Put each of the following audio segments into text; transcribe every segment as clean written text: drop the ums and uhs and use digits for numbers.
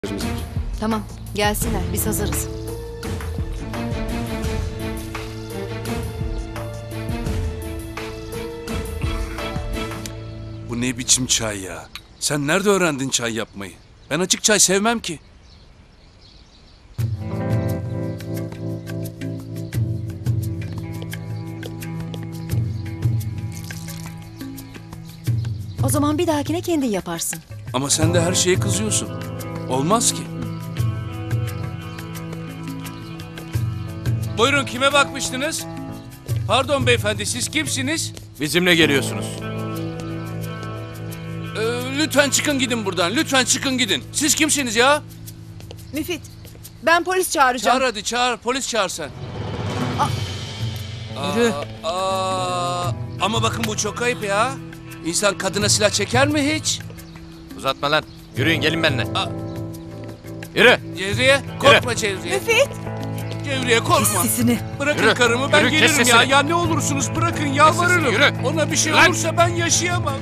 Tamam, gelsinler. Biz hazırız. Bu ne biçim çay ya? Sen nerede öğrendin çay yapmayı? Ben açık çay sevmem ki. O zaman bir dahakine kendin yaparsın. Ama sen de her şeye kızıyorsun. Olmaz ki. Buyurun, kime bakmıştınız? Pardon beyefendi, siz kimsiniz? Bizimle geliyorsunuz. Lütfen çıkın gidin buradan. Lütfen çıkın gidin. Siz kimsiniz ya? Müfit, ben polis çağıracağım. Çağır hadi çağır. Polis çağır sen. Yürü. Ama bakın bu çok ayıp ya. İnsan kadına silah çeker mi hiç? Uzatma lan. Yürüyün gelin benimle. Aa. Yürü. Cevriye, korkma Cevriye. Müfit! Cevriye korkma. Sesini. Bırakın Yürü, karımı, ben yürü, kes gelirim ya. sesini. Ya ne olursunuz bırakın, yalvarırım. Yürü. Ona bir şey Lan. olursa ben yaşayamam.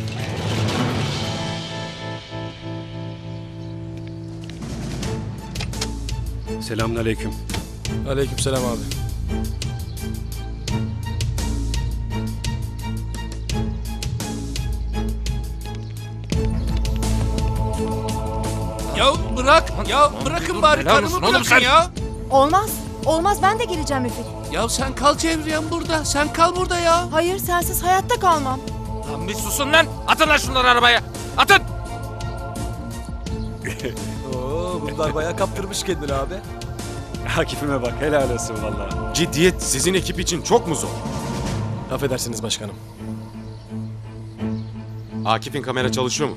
Selamünaleyküm. Aleykümselam abi. Ya bırak, ya bırakın bari helal karımı olsun oğlum bırakın sen. ya. Olmaz. Olmaz, ben de geleceğim Müfit. Ya sen kal Cevriyem burada, sen kal burada ya. Hayır, sensiz hayatta kalmam. Lan bir susun lan. Atın lan şunları arabaya. Atın. Oo, bunlar bayağı kaptırmış kendini abi. Akif'ime bak, helal olsun vallahi. Ciddiyet sizin ekip için çok mu zor? Affedersiniz başkanım. Akif'in kamera çalışıyor mu?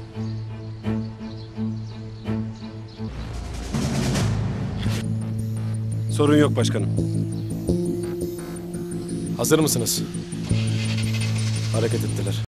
Sorun yok başkanım. Hazır mısınız? Hareket ettiler.